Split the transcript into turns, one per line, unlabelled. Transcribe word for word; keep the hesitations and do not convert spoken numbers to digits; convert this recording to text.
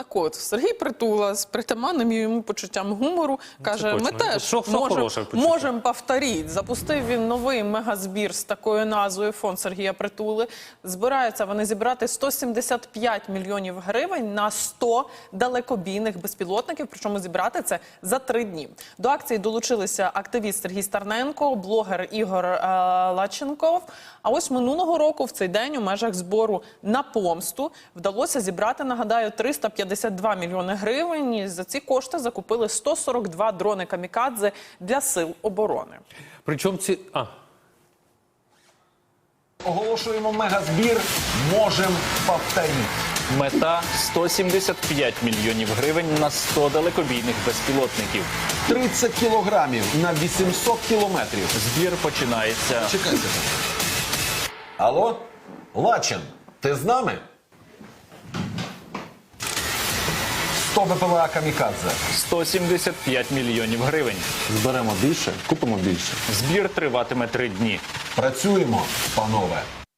Так от, Сергій Притула з притаманним йому почуттям гумору каже, ми теж
Що- що
можемо
хороше в почутті?
можем повторити. Запустив він новий мегазбір з такою назвою «Фонд Сергія Притули». Збираються вони зібрати сто сімдесят п'ять мільйонів гривень на сто далекобійних безпілотників, причому зібрати це за три дні. До акції долучилися активіст Сергій Старненко, блогер Ігор е, Лаченков. А ось минулого року в цей день у межах збору на помсту вдалося зібрати, нагадаю, триста п'ятдесят два мільйони гривень. І за ці кошти закупили сто сорок два дрони камікадзе для сил оборони.
Причому ці... А.
Оголошуємо мегазбір «Можем повторити».
Мета – сто сімдесят п'ять мільйонів гривень на сто далекобійних безпілотників.
тридцять кілограмів на вісімсот кілометрів.
Збір починається.
Чекайте. Алло? Лачин, ти з нами? сто БПЛА «Камікадзе».
сто сімдесят п'ять мільйонів гривень.
Зберемо більше, купимо більше.
Збір триватиме три дні.
Працюємо, панове.